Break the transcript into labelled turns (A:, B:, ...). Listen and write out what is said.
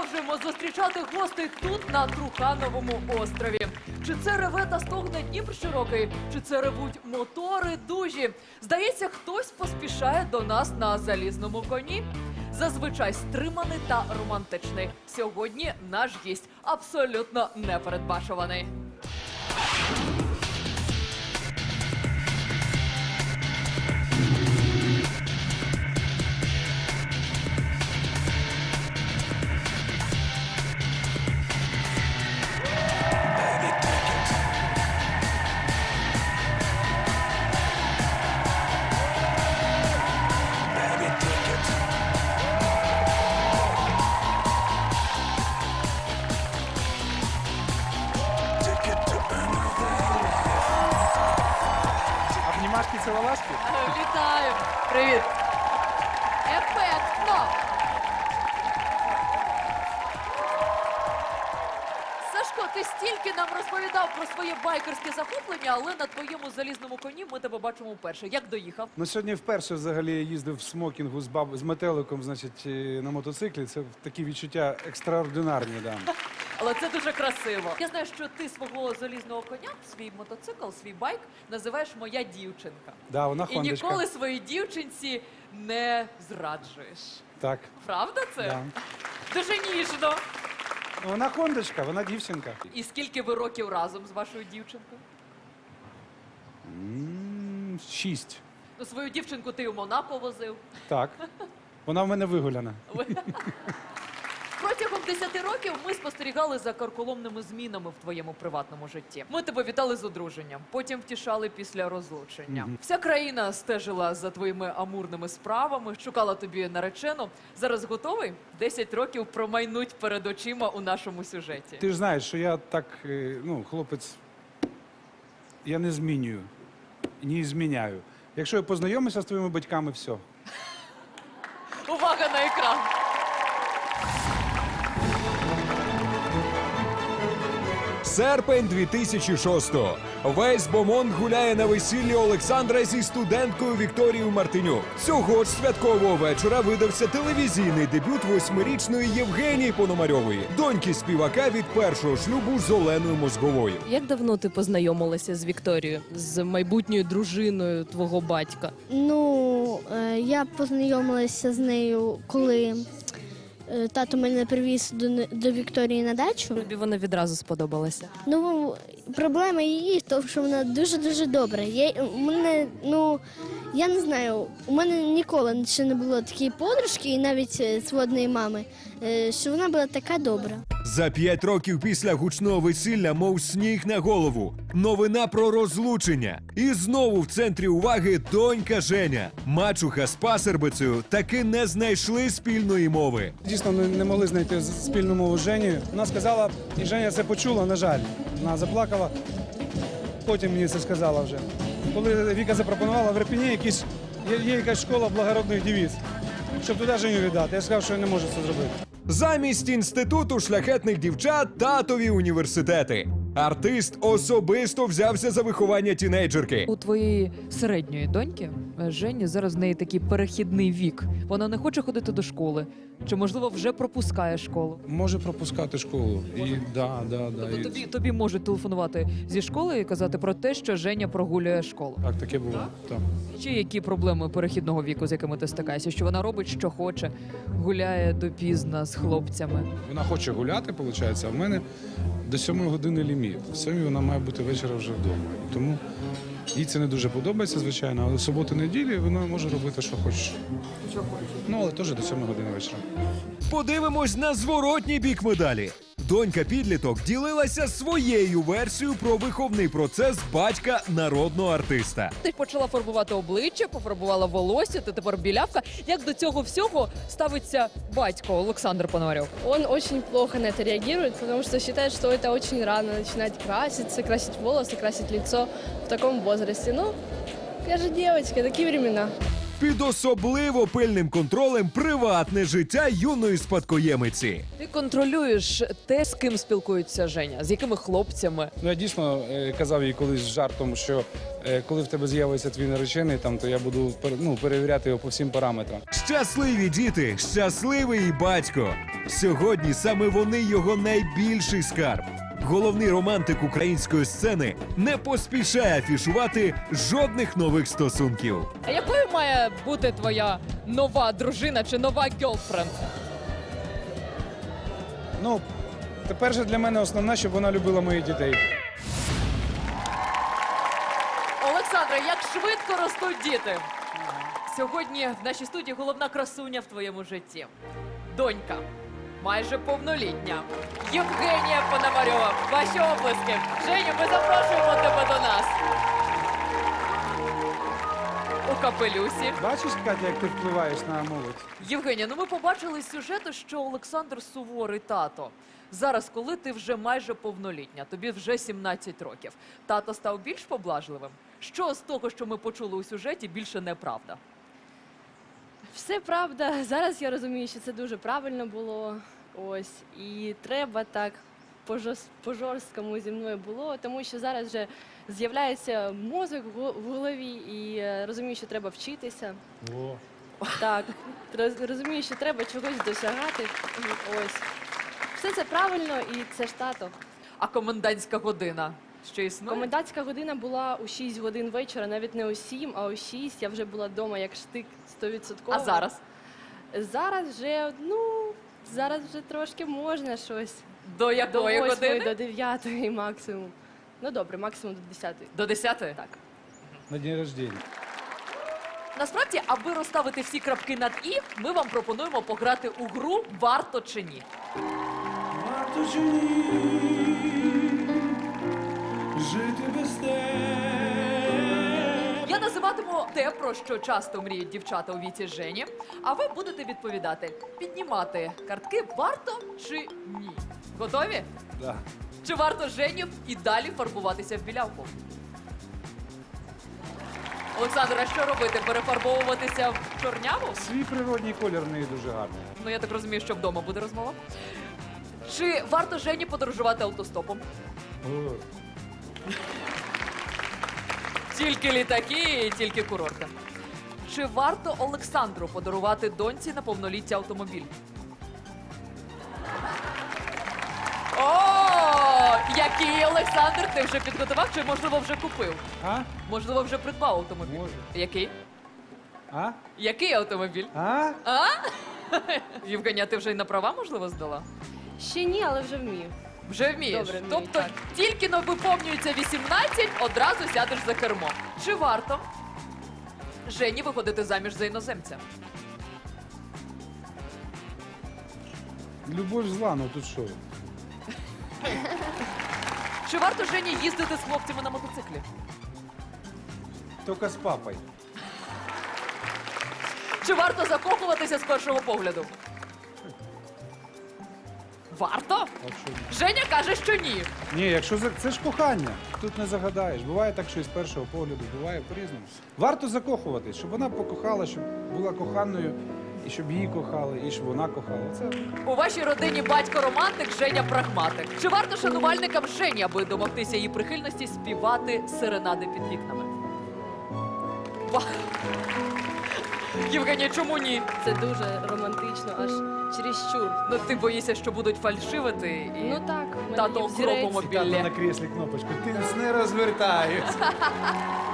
A: продовжуємо зустрічати гостей тут, на Трухановому острові. Чи це реве та стогне Дніпр широкий, чи це ревуть мотори дужі? Здається, хтось поспішає до нас на залізному коні. Зазвичай стриманий та романтичний. Сьогодні наш гість абсолютно непередбачуваний.
B: Обнімашки, ціловашки?
A: Вітаю! Привіт! Ефектно! Сашко, ти стільки нам розповідав про своє байкерське захоплення, але на твоєму залізному коні ми тебе бачимо вперше. Як доїхав?
B: Ну, сьогодні вперше взагалі я їздив в смокінгу з метеликом, значить, на мотоциклі. Це такі відчуття екстраординарні, да.
A: Але це дуже красиво. Я знаю, що ти свого залізного коня, свій мотоцикл, свій байк називаєш «моя дівчинка».
B: Да, вона
A: І
B: хондочка.
A: ніколи своїй дівчинці не зраджуєш.
B: Так.
A: Правда це?
B: Да.
A: Дуже ніжно.
B: Ну, вона хондочка, вона дівчинка.
A: І скільки ви років разом з вашою дівчинкою?
B: 6.
A: Ну, свою дівчинку ти у Монако возив.
B: Так. Вона в мене вигуляна.
A: Протягом 10 років ми спостерігали за карколомними змінами в твоєму приватному житті. Ми тебе вітали з одруженням, потім втішали після розлучення. Вся країна стежила за твоїми амурними справами, шукала тобі наречену. Зараз готовий? 10 років промайнуть перед очима у нашому сюжеті.
B: Ти ж знаєш, що я так, хлопець, я не змінюю, не зміняю. Якщо я познайомився з твоїми батьками, все.
A: Увага на екран!
C: Серпень 2006-го. Весь Бомонд гуляє на весіллі Олександра зі студенткою Вікторією Мартинюк. Цього ж святкового вечора видався телевізійний дебют 8-річної Євгенії Пономарьової, доньки співака від першого шлюбу з Оленою Мозговою.
D: Як давно ти познайомилася з Вікторією, з майбутньою дружиною твого батька?
E: Ну, я познайомилася з нею, коли тато мене привіз до Вікторії на дачу.
D: Тобі вона відразу сподобалася.
E: Ну, проблема її в тому, що вона дуже-дуже добра. Я не знаю, у мене ніколи ще не було такої подружки, і навіть сводної мами, що вона була така добра.
C: За 5 років після гучного весілля, мов сніг на голову. Новина про розлучення. І знову в центрі уваги донька Женя. Мачуха з пасербицею таки не знайшли спільної мови.
B: Дійсно, не могли знайти спільну мову з Женєю. Вона сказала, і Женя це почула, на жаль. Вона заплакала, потім мені це сказала вже. Коли Віка запропонувала в Ірпені, є якась школа благородних дівіць, щоб туди Женю віддати. Я сказав, що я не можу це зробити.
C: Замість інституту шляхетних дівчат татові університети. Артист особисто взявся за виховання тінейджерки.
A: У твоєї середньої доньки, Жені, зараз в неї такий перехідний вік. Вона не хоче ходити до школи. Чи, можливо, вже пропускає школу?
B: Може пропускати школу.
A: Тобто тобі можуть телефонувати зі школи і казати про те, що Женя прогулює школу.
B: Так, таке було. Так.
A: Чи які проблеми перехідного віку, з якими ти стикаєшся? Що вона робить, що хоче, гуляє допізна з хлопцями?
B: Вона хоче гуляти, виходить, а в мене до 7 години ліміт. В 7 вона має бути вечора вже вдома. І тому їй це не дуже подобається, звичайно, але суботу-неділі вона може робити, що хоче.
A: Що хоче?
B: Ну, але теж до 7 години вечора.
C: Подивимось на зворотній бік медалі. Донька-підліток ділилася своєю версією про виховний процес батька народного артиста.
A: Ти почала фарбувати обличчя, пофарбувала волосся, ти тепер білявка. Як до цього всього ставиться батько Олександр Пономарьов?
F: Он очень плохо на это реагирует, потому что считает, что это очень рано начинать краситься, красить волосы, красить лицо в таком возрасте. Ну, я же девочка, такие времена.
C: Під особливо пильним контролем приватне життя юної спадкоємиці.
A: Ти контролюєш те, з ким спілкується Женя, з якими хлопцями.
B: Ну, я дійсно казав їй колись з жартом, що коли в тебе з'явиться твій наречений, там, то я буду перевіряти його по всім параметрам.
C: Щасливі діти, щасливий батько. Сьогодні саме вони його найбільший скарб. Головний романтик української сцени не поспішає афішувати жодних нових стосунків.
A: А якою має бути твоя нова дружина чи нова гьолфренд?
B: Ну, тепер же для мене основне, щоб вона любила моїх дітей.
A: Олександре, як швидко ростуть діти. Сьогодні в нашій студії головна красуня в твоєму житті. Донька, майже повнолітня. Євгенія Пономарьова. Ваші оплески. Женю, ми запрошуємо тебе до нас. У капелюсі.
B: Бачиш, Катя, як ти впливаєш на молодь?
A: Євгенія, ну ми побачили з сюжету, що Олександр суворий тато. Зараз, коли ти вже майже повнолітня, тобі вже 17 років, тато став більш поблажливим? Що з того, що ми почули у сюжеті, більше неправда?
F: Все правда. Зараз я розумію, що це дуже правильно було. Ось. І треба так по-жорсткому зі мною було, тому що зараз вже з'являється мозок в голові і розумію, що треба вчитися. Так, розумію, що треба чогось досягати. Ось. Все це правильно і це ж тато.
A: А комендантська година ще існує?
F: Комендантська година була у 6 годин вечора, навіть не у 7, а у 6. Я вже була вдома як штик 100%.
A: А зараз?
F: Зараз вже трошки можна щось.
A: До
F: До
A: якої
F: 8,
A: години?
F: до 9 максимум. Ну добре, максимум до 10.
A: До 10?
F: Так.
B: На день рождения.
A: Насправді, аби розставити всі крапки над «і», ми вам пропонуємо пограти у гру «Варто чи ні?».
B: Варто чи ні жити без тебе?
A: Я називатиму те, про що часто мріють дівчата у віці Жені, а ви будете відповідати, піднімати картки «Варто чи ні?». Готові?
B: Да.
A: Чи варто Жені і далі фарбуватися в білявку? Олександра, що робити? Перефарбовуватися в чорняву?
B: Свій природній колір в неї дуже гарний.
A: Ну, я так розумію, що вдома буде розмова. Чи варто Жені подорожувати автостопом? Тільки літаки і тільки курорти. Чи варто Олександру подарувати доньці на повноліття автомобіль? О, який Олександр, ти вже підготував чи, можливо, вже купив?
B: А?
A: Можливо, вже придбав автомобіль?
B: Може.
A: Який?
B: А?
A: Який автомобіль?
B: А?
A: Євгенія, ти вже й на права, можливо, здала?
F: Ще ні, але вже вмію.
A: Вже вмієш?
F: Добре, вмію,
A: Тобто,
F: так.
A: тільки но виповнюється 18, одразу сядеш за кермо. Чи варто Жені виходити заміж за іноземця?
B: Любов зла, ну тут що?
A: Чи варто Жені їздити з хлопцями на мотоциклі?
B: Тільки з папою.
A: Чи варто закохуватися з першого погляду? Варто?
B: А що ні?
A: Женя каже, що ні.
B: Ні, якщо це ж кохання, тут не загадаєш. Буває так, що і з першого погляду, буває по-різному. Варто закохуватись, щоб вона покохала, щоб була коханою, і щоб її кохали, і щоб вона кохала. Це
A: У вашій родині батько романтик, Женя прагматик. Чи варто шанувальникам Жені, аби домогтися її прихильності, співати серенади під вікнами? Євгенія, чому ні?
F: Це дуже романтично, аж чересчур.
A: Ну ти боїшся, що будуть фальшивити і
F: Ну так, в мене
A: тато
F: є
A: в
F: взірець.
A: гробомобілі.
B: на кріслі кнопочку. Ти не розвертаюсь.